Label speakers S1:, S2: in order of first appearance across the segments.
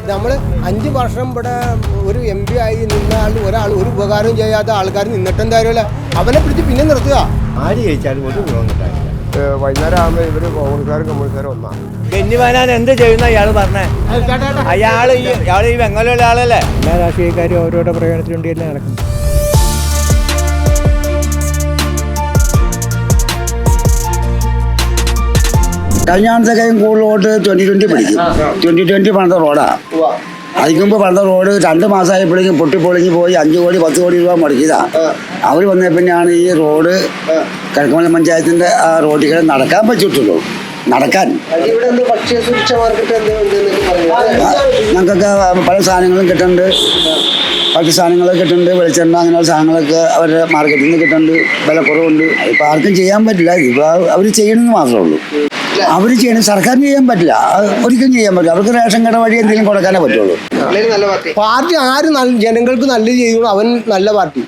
S1: നമ്മൾ 5 വർഷം ഇവിടെ ഒരു MP ആയി നിന്ന ഒരാൾ ഒരു ഉപകാരം ചെയ്യാത്ത ആൾക്കാർ നിന്നിട്ട് എന്തായാലും അവനെ പിടിച്ച് പിന്നെ നിർത്തുക.
S2: ആര് ജയിച്ചാലും ഒരു ഗുണമുണ്ടായില്ല.
S1: വൈകുന്നേരം ആകുമ്പോൾ ഇവർ കോൺഗ്രസ്സുകാരും കമ്മ്യൂണിസ്റ്റുകാരും ഒന്നാണ്.
S2: ബെന്നി ബെഹനാൻ എന്ത് ചെയ്യുന്ന ഇയാൾ പറഞ്ഞേ? ഇയാൾ ഈ വെങ്ങലുള്ള ആളല്ലേ?
S3: എല്ലാ രാഷ്ട്രീയക്കാരും അവരവരുടെ പ്രയോജനത്തിന് വേണ്ടിയല്ലേ നടക്കുന്നത്.
S4: കഴിഞ്ഞ ആഴ്ചയും കൂടുതലോട്ട് 2020 പിടിക്കും. 2020 പണിത റോഡാണ്. അതിന് മുമ്പ് പണിത റോഡ് 2 മാസമായപ്പോഴേക്കും പൊട്ടിപ്പൊളിഞ്ഞ് പോയി 5 കോടി 10 കോടി രൂപ മുടക്കിയതാണ്. അവർ വന്നേ പിന്നെയാണ് ഈ റോഡ് കിഴക്കമല പഞ്ചായത്തിൻ്റെ ആ റോഡിൽ നടക്കാൻ പറ്റിയിട്ടുള്ളൂ. നടക്കാൻ ഞങ്ങൾക്കൊക്കെ പല സാധനങ്ങളും കിട്ടുന്നുണ്ട്. ബാക്കി സാധനങ്ങളൊക്കെ കിട്ടുന്നുണ്ട്. വെളിച്ചെണ്ണ അങ്ങനെയുള്ള സാധനങ്ങളൊക്കെ അവരുടെ മാർക്കറ്റിൽ നിന്ന് കിട്ടുന്നുണ്ട്. വില കുറവുണ്ട്. ഇപ്പോൾ ആർക്കും ചെയ്യാൻ പറ്റില്ല. ഇപ്പോൾ അവർ ചെയ്യണമെന്ന് മാത്രമേ ഉള്ളൂ. അവർ ചെയ്യണം. സർക്കാരിന് ചെയ്യാൻ പറ്റില്ല. ഒരിക്കലും ചെയ്യാൻ പറ്റില്ല. അവർക്ക് റേഷൻ കട വഴി എന്തെങ്കിലും കൊടുക്കാനേ പറ്റുള്ളൂ.
S1: പാർട്ടി ആര് ജനങ്ങൾക്ക് നല്ലത് ചെയ്യുന്നു അവൻ നല്ല പാർട്ടി.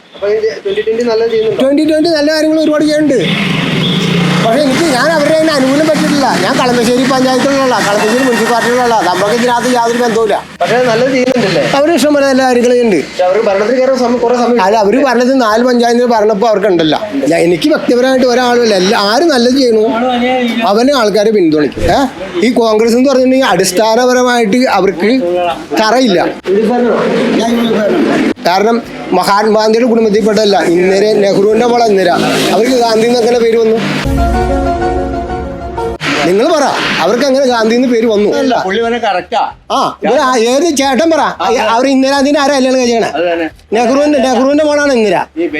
S1: 2020 നല്ല കാര്യങ്ങൾ ഒരുപാട് ചെയ്യുന്നുണ്ട്. പക്ഷേ ഞാൻ അവരുടെ അതിന് അനുകൂലം പറ്റിയിട്ടില്ല. ഞാൻ കളമശ്ശേരി പഞ്ചായത്തിലുള്ള കളമശ്ശേരി മുനിസിപ്പാലിറ്റിയിലുള്ള നമുക്ക് ഇതിനകത്ത് യാതൊരു ബന്ധവുമില്ല. പക്ഷേ നല്ലത് ചെയ്യുന്നുണ്ടല്ലേ? അവർ ഇഷ്ടം പോലെ നല്ല കാര്യങ്ങൾ ചെയ്യുന്നുണ്ട്. അല്ല, അവർ പറഞ്ഞത് 4 പഞ്ചായത്തിൽ പറഞ്ഞപ്പോൾ അവർക്കുണ്ടല്ല. എനിക്ക് വ്യക്തിപരമായിട്ട് ഒരാളുമില്ല. ആര് നല്ലത് ചെയ്യണു അവന് ആൾക്കാരെ പിന്തുണയ്ക്കും. ഈ കോൺഗ്രസ് എന്ന് പറഞ്ഞിട്ടുണ്ടെങ്കിൽ അടിസ്ഥാനപരമായിട്ട് അവർക്ക് തറയില്ല. കാരണം മഹാത്മാഗാന്ധിയുടെ കുടുംബത്തിൽപ്പെട്ടല്ല. ഇന്ദിര, നെഹ്റുവിൻ്റെ മോളെ ഇന്ദിര. അവർക്ക് ഗാന്ധി എന്നങ്ങനെ പേര് വന്നു. നിങ്ങൾ പറ, അവർക്ക് അങ്ങനെ ഗാന്ധി എന്ന് പേര് വന്നു. ഏത് ചേട്ടൻ പറ, അവർ ഇന്ദിരാന്തിന്റെ ആരാ കല്യാണം കഴിച്ചേണേ? നെഹ്റുവിന്റെ മോളാണ് ഇന്ദിര.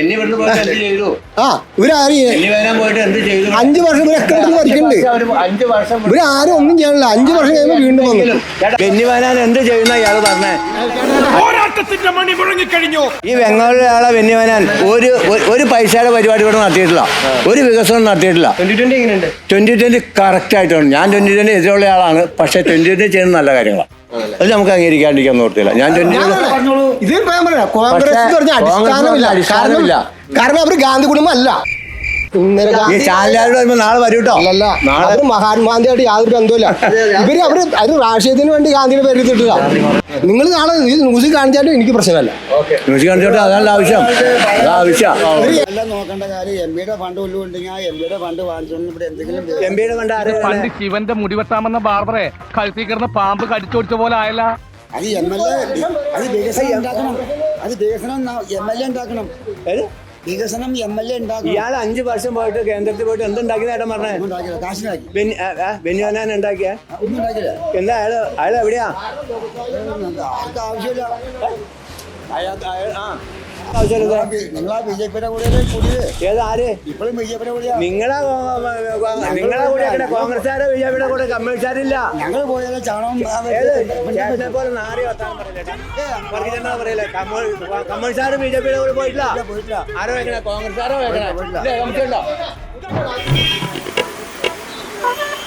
S1: ഇവരാരും 5 വർഷം ഇവരൊക്കെ ഭരിക്കുന്നുണ്ട്. ഇവരാരും ഒന്നും ചെയ്യണില്ല. 5 വർഷം കഴിയുമ്പോൾ വീണ്ടും വന്നു.
S2: ബെന്നി ബെഹനാൻ എന്ത് ചെയ്യുന്ന ഇയാൾ പറഞ്ഞേ? ഈ വെങ്ങാളിലെ ആളെ ബെന്നി ബെഹനാൻ ഒരു പൈസയുടെ പരിപാടി ഇവിടെ നടത്തിയിട്ടില്ല. ഒരു വികസനം നടത്തിയിട്ടില്ല. 2020 കറക്റ്റ് ആയിട്ടാണ്. ഞാൻ 2020 എതിരുള്ള ആളാണ്. പക്ഷെ 2020 ചെയ്യുന്ന നല്ല കാര്യങ്ങളാണ്. അത് നമുക്ക് അംഗീകരിക്കാണ്ടിരിക്കാൻ നോർത്തില്ല. ഞാൻ 2020
S1: അടിസ്ഥാനമില്ല. കാരണം അവർ ഗാന്ധി കുടുംബം അല്ല.
S2: ഈ ചാനലുകാരോട് വരുമ്പോൾ നാളെ വരും കേട്ടോ.
S1: നാളെ മഹാത്മാഗാന്ധിയായിട്ട് യാതൊരു ബന്ധമില്ല. അത് രാഷ്ട്രീയത്തിന് വേണ്ടി ഗാന്ധിയുടെ പേര് എടുത്തിട്ടില്ല. നിങ്ങൾ നാളെ ന്യൂസിൽ കാണിച്ചാലും എനിക്ക് പ്രശ്നമല്ല.
S2: ന്യൂസിൽ കാണിച്ചോട്ടെ, അതാണ് ആവശ്യം.
S4: എല്ലാം നോക്കേണ്ട കാര്യം MP-യുടെ ഫണ്ട് ഉണ്ടെങ്കിൽ ആ MP-യുടെ ഫണ്ട് വാങ്ങിച്ചോണ്ട് ഇവിടെ എന്തെങ്കിലും
S2: MP-യുടെ ഫണ്ട്
S5: പണ്ട് ശിവന്റെ മുടിവെട്ടാമെന്ന ബാർബറെ കഴുത്തിൽ കിടന്ന് പാമ്പ് കടിച്ചോടിച്ച പോലെ ആയല്ല.
S4: അത് MLA അത് വികസനം ഉണ്ടാക്കണം. അത് വികസനം MLA ഉണ്ടാക്കണം. വികസനം MLA ഉണ്ടാക്കണം.
S2: ഇയാൾ 5 വർഷം പോയിട്ട് കേന്ദ്രത്തിൽ പോയിട്ട് എന്തുണ്ടാക്കിയ ഏട്ടൻ പറഞ്ഞേ? ബെന്നി ബെഹനാൻ ഉണ്ടാക്കിയ എന്താ? അയാൾ എവിടെയാ?
S4: ആവശ്യമില്ല.
S2: നിങ്ങളാ BJP-യുടെ കൂടെ ഏതാര് ഇപ്പോഴും BJP-യുടെ കൂടെ? നിങ്ങളെ കൂടെ കോൺഗ്രസ്സുകാരെ BJP-യുടെ കൂടെ കമ്മ്യൂണിസ്റ്റുകാരില്ല.
S4: ഞങ്ങൾ പോയാലും ചാണകം
S2: പോലെ നാറി വർത്താനം പറയില്ല. കമ്മ്യൂണിസ്റ്റുകാർ BJP-യുടെ കൂടെ പോയിട്ടില്ല. ആരോ വെക്കണേ? കോൺഗ്രസ്സുകാരോ വെക്കണേ?